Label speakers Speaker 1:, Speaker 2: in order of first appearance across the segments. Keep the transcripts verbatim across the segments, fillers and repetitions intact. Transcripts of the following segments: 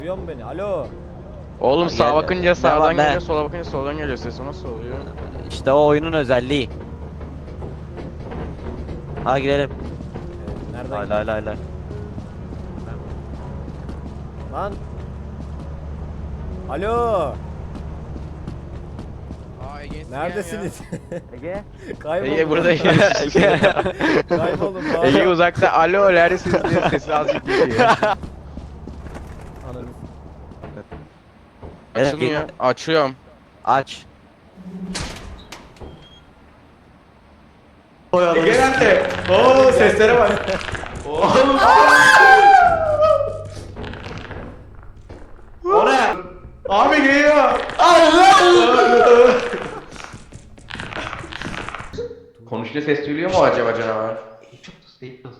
Speaker 1: Duyuyor mu beni? Alo.
Speaker 2: Oğlum sağa
Speaker 3: Gel-
Speaker 2: bakınca sağdan
Speaker 3: Devam,
Speaker 2: geliyor,
Speaker 3: ben-
Speaker 2: sola bakınca soldan geliyor, ses o nasıl oluyor?
Speaker 3: İşte o oyunun özelliği. Ha girelim.
Speaker 1: Ee, Nereden?
Speaker 3: Lay lay lay lay.
Speaker 1: Lan. Alo.
Speaker 2: Aa Ege
Speaker 1: Neredesiniz?
Speaker 3: Ege.
Speaker 1: Kayboldum.
Speaker 2: Ege burada Ege.
Speaker 1: Kayboldum.
Speaker 2: Ege uzakta alo neredesiniz diyor, sesi azıcık geliyor.
Speaker 1: Ananı.
Speaker 2: Açılmıyor. Açıyorum.
Speaker 3: Aç.
Speaker 4: Ege nerede? Oo seslere bak. Oğlum. O ne? Abi geliyor. Allah! Konuşunca ses duyuluyor mu acaba canavar? Çok da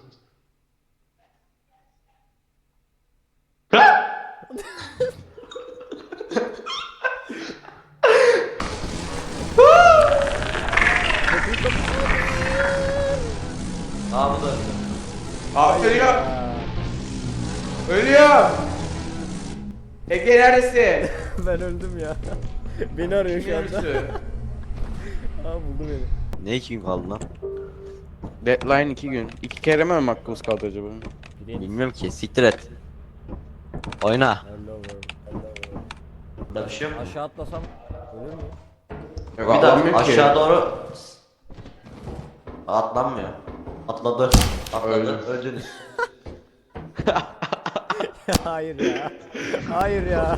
Speaker 3: Aa bu da.
Speaker 4: Abi ölüyor. Ölüyor. Ege neredesin?
Speaker 1: Ben öldüm ya. Beni arıyor şu anda.
Speaker 4: Ölüsü.
Speaker 1: Aa buldu beni.
Speaker 3: Ne iki gün kaldı lan?
Speaker 2: Deadline iki gün. İki kere mi hakkımız kaldı acaba?
Speaker 1: Bileyim.
Speaker 3: Bilmiyorum ki. Siktir et. Oyna.
Speaker 1: Hello world. Hello world.
Speaker 3: Burada bir şey yok mu?
Speaker 1: Aşağı atlasam ölür müyüm?
Speaker 4: Yok,
Speaker 3: Bir daha
Speaker 4: anlamıyorum ki.
Speaker 3: aşağı doğru atlanmıyor. Atladı. Atladı.
Speaker 4: Öldü.
Speaker 3: Öldünüz.
Speaker 1: Hayır ya. Hayır ya.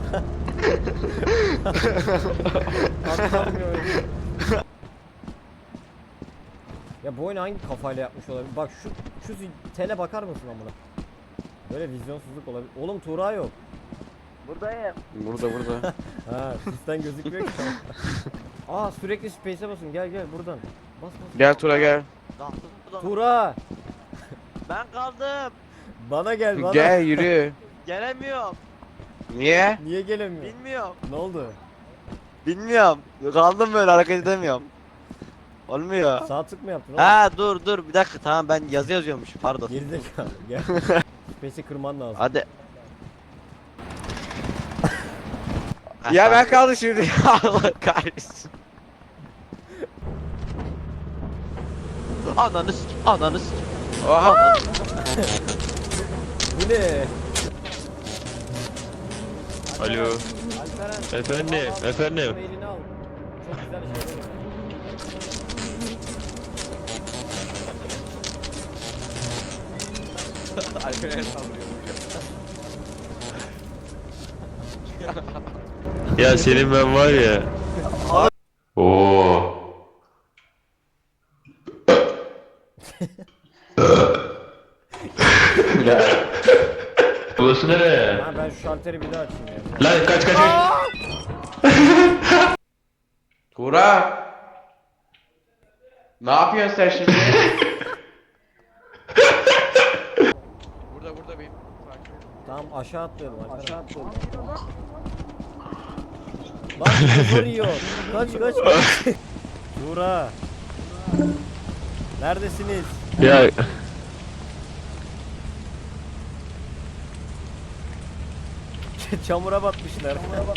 Speaker 1: Atlamıyor. Ya bu oyunu hangi kafayla yapmış olabilir? Bak şu şu tele bakar mısın amına? Böyle vizyonsuzluk olabilir. Oğlum Tuğra yok.
Speaker 3: Buradayım.
Speaker 2: Burada burada.
Speaker 1: Ha, sistem gözükmüyor ki. Aa sürekli space'e basın. Gel gel buradan. Bas bas.
Speaker 2: Gel Tura gel.
Speaker 1: Tuğra,
Speaker 3: Ben kaldım.
Speaker 1: bana gel bana.
Speaker 2: Gel yürü.
Speaker 3: Gelemiyorum.
Speaker 2: Niye?
Speaker 1: Niye gelemiyor?
Speaker 3: Bilmiyorum.
Speaker 1: Ne oldu?
Speaker 3: Bilmiyorum. Kaldım böyle hareket edemiyorum. Olmuyor.
Speaker 1: Sağ tık mı yaptın?
Speaker 3: Ha dur dur bir dakika tamam ben yazı yazıyormuş pardon.
Speaker 1: Gerizekalı. Gel. Space'i kırman lazım.
Speaker 3: Hadi.
Speaker 2: Ya ben kaldım şimdi. Allah kahretsin.
Speaker 3: Ananı s*** ananı s***.
Speaker 2: Oha.
Speaker 1: Bu ne?
Speaker 5: Alo.
Speaker 1: Alperen.
Speaker 5: Efendim,
Speaker 1: al, al,
Speaker 5: efendim.
Speaker 1: Mailini al. Çok güzel şey.
Speaker 5: Ya senin ben var ya. Oo. Burası nereye?
Speaker 1: Ha ben şu şalteri bir daha açayım ya.
Speaker 5: Lan kaç kaç kaç.
Speaker 4: Tuğra. Ne yapıyorsun sen şimdi?
Speaker 2: Burada burada benim.
Speaker 1: Tamam aşağı atlayalım. Aşağı atlayalım. Lan zor yiyor. Kaç kaç kaç. Tuğra. Neredesiniz?
Speaker 5: Ya
Speaker 1: Çamura batmışlar.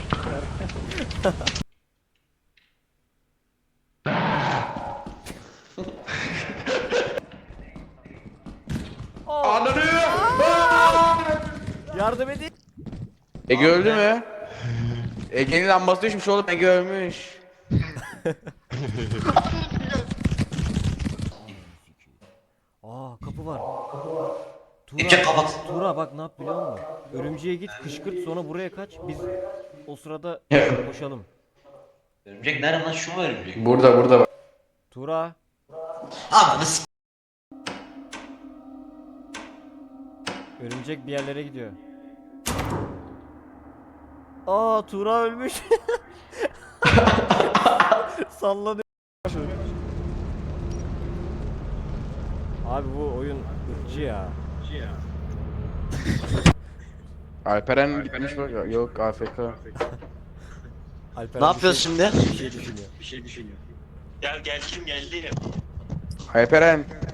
Speaker 4: Ananı.
Speaker 1: Yardım edin.
Speaker 2: Ege öldü mü? Ege'nin lambası düşmüş oğlum, Ege ölmüş.
Speaker 1: Aa kapı var. Kapı var. Tuğra,
Speaker 3: Ece kapat.
Speaker 1: Tuğra bak ne yap biliyor musun? Örümceğe git kışkırt sonra buraya kaç. Biz o sırada koşalım.
Speaker 3: Örümcek nerede lan şu mu örümcek?
Speaker 4: Burada burada bak.
Speaker 1: Tuğra.
Speaker 3: Ananı s***.
Speaker 1: Örümcek bir yerlere gidiyor. Aa Tuğra ölmüş. Sallanıyor. Abi bu oyun ırkçı ya.
Speaker 2: Alperen gitmiş bak. Yok A F K.
Speaker 1: Alperen
Speaker 3: Ne yapıyorsun
Speaker 1: bir şey-
Speaker 3: şimdi?
Speaker 1: Bir şey düşünüyor.
Speaker 5: bir şey düşünüyor. Gel gel kim geldi?
Speaker 2: Alperen.